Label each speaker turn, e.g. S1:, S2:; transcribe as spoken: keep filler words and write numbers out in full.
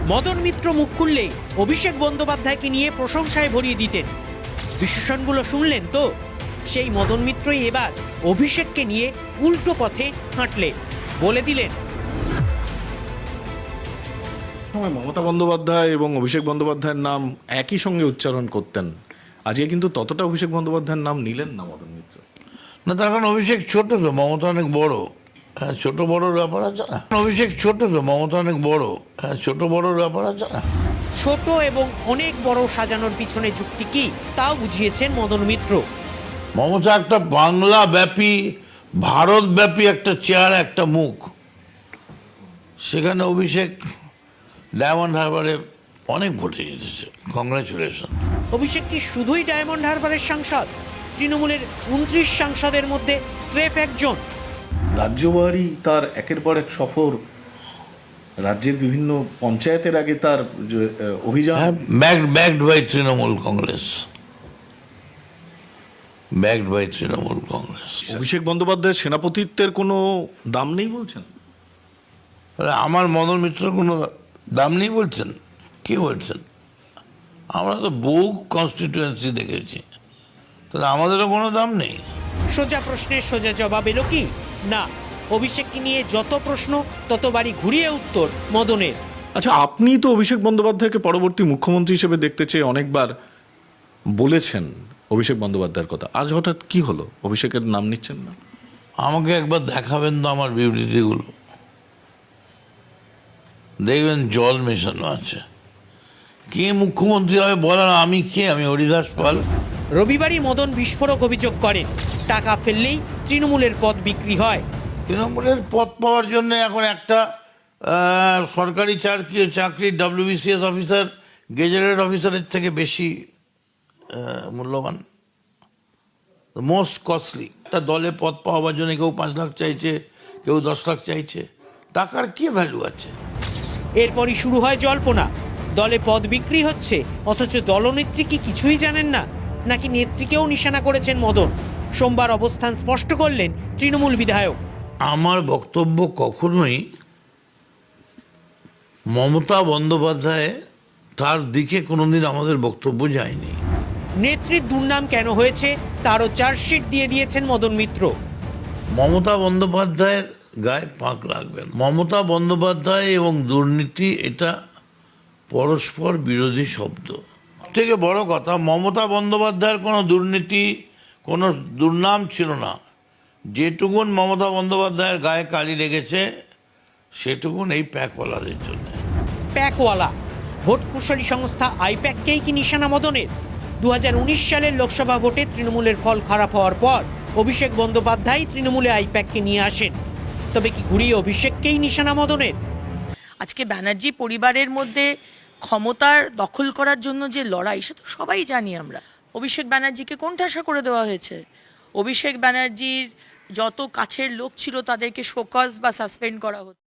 S1: মদন মিত্র মুখ খুললেই অভিষেক বন্দ্যোপাধ্যায়কে নিয়ে প্রশংসায় ভরিয়ে দিতেন। বিশেষণগুলো শুনলেন তো? সেই মদন মিত্রই এবার অভিষেককে নিয়ে উল্টো পথে হাঁটলে বলে দিলেন,
S2: সময় মমতা বন্দ্যোপাধ্যায় এবং অভিষেক বন্দ্যোপাধ্যায়ের নাম একই সঙ্গে উচ্চারণ করতেন, আজকে কিন্তু ততটা অভিষেক বন্দ্যোপাধ্যায়ের নাম নিলেন না মদন মিত্র।
S3: না, তার কারণ অভিষেক ছোট তো, মমতা অনেক বড়। হ্যাঁ, ছোট বড়োর ব্যাপার আছে না। অভিষেক ছোট তো, মমতা অনেক বড়। হ্যাঁ, ছোট বড়োর ব্যাপার আছে না।
S1: ছোট এবং অনেক বড় সাজানোর পিছনে যুক্তি কি তাও বুঝিয়েছেন মদন মিত্র।
S3: মমতা একটা বাংলা ব্যাপী, ভারত ব্যাপী একটা চেহারা, একটা মুখ। সেখানে অভিষেক ডায়মন্ড হারবারে অনেক ভোটে জিতেছে। কংগ্রাচুলেশন।
S1: অভিষেক কি শুধুই ডায়মন্ড হারবারের সাংসদ? তৃণমূলের উনত্রিশ সাংসদের মধ্যে স্রেফ একজন।
S2: রাজ্যবাড়ি তার একের পর এক সফর, রাজ্যের বিভিন্ন পঞ্চায়েতের আগে তার যে, আহ, অভিযান,
S3: backed backed by Trinamool Congress, backed by Trinamool Congress.
S2: Abhishek বন্দ্যোপাধ্যায়ের সেনাপতিত্বের কোনো দাম নেই বলছেন?
S3: তাহলে আমার মদন মিত্র কোনো দাম নেই বলছেন? কি বলছেন? আমরা তো বহু কনস্টিটিউয়েন্সি দেখেছি, তাহলে আমাদেরও কোনো দাম নেই?
S1: সোজা প্রশ্নের সোজা জবাব এলো কি না। অভিষেককে নিয়ে যত প্রশ্ন ততবারই ঘুরিয়ে উত্তর মদনের।
S2: আচ্ছা, আপনি তো অভিষেক বন্দ্যোপাধ্যায়কে পরবর্তী মুখ্যমন্ত্রী হিসেবে দেখতে চেয়ে অনেকবার বলেছেন অভিষেক বন্দ্যোপাধ্যায়ের কথা, আজ হঠাৎ কি হলো অভিষেকের নাম নিচ্ছেন না?
S3: আমাকে একবার দেখাবেন তো আমার বিবৃতিগুলো, দেখবেন জল মেশানো আছে। কে মুখ্যমন্ত্রী হবে বলার আমি কে? আমি হরিদাস পাল?
S1: রবিবারই মদন বিস্ফোরক অভিযোগ করেন, টাকা ফেললেই তৃণমূলের পদ বিক্রি হয়।
S3: তৃণমূলের পদ পাওয়ার জন্য এখন একটা আহ, সরকারি চাকরি চাকরি ডাব্লিউবিসিএস অফিসার গেজেটেড অফিসারের থেকে বেশি আহ, মূল্যবান, মোস্ট কস্টলি। একটা দলে পদ পাওয়ার জন্য কেউ পাঁচ লাখ চাইছে, কেউ দশ লাখ চাইছে। টাকার কি ভ্যালু আছে?
S1: এরপরই শুরু হয় জল্পনা, দলে পদ বিক্রি হচ্ছে অথচ দলনেত্রী কি কিছুই জানেন না, নাকি নেত্রীকেও নিশানা করেছেন মদন। সোমবার অবস্থান স্পষ্ট করলেন তৃণমূল বিধায়ক।
S3: আমার বক্তব্য কখনোই মমতা বন্দ্যোপাধ্যায় তার দিকে কোনোদিন আমাদের বক্তব্য যায়নি।
S1: নেত্রীর দুর্নাম কেন হয়েছে তারও চার্জশিট দিয়ে দিয়েছেন মদন মিত্র।
S3: মমতা বন্দ্যোপাধ্যায়ের গায়ে পাক লাগবেন। মমতা বন্দ্যোপাধ্যায় এবং দুর্নীতি এটা পরস্পর বিরোধী শব্দ। থেকে বড় কথা, মমতা বন্দ্যোপাধ্যায়ের কোনো দুর্নীতি, কোনো দুর্নাম ছিল না। যেটুকুন মমতা বন্দ্যোপাধ্যায়ের গায়ে কালি লেগেছে সেটুকুন এই প্যাকওয়ালাদের জন্য।
S1: প্যাকওয়ালা ভোট কুশলী সংস্থা আইপ্যাককেই কি নিশানা মদনের? দু হাজার উনিশ সালের লোকসভা ভোটে তৃণমূলের ফল খারাপ হওয়ার পর অভিষেক বন্দ্যোপাধ্যায় তৃণমূলে আইপ্যাককে নিয়ে আসেন। তবে কি ঘুরিয়ে অভিষেককেই নিশানা মদনের?
S4: আজকে ব্যানার্জি পরিবারের মধ্যে ক্ষমতার দখল করার জন্য যে লড়াই, সে তো সবাই জানি আমরা। অভিষেক ব্যানার্জিকে কোণঠাসা করে দেওয়া হয়েছে। অভিষেক ব্যানার্জির যত কাছের লোক ছিল তাদেরকে শোকজ বা সাসপেন্ড করা হতো।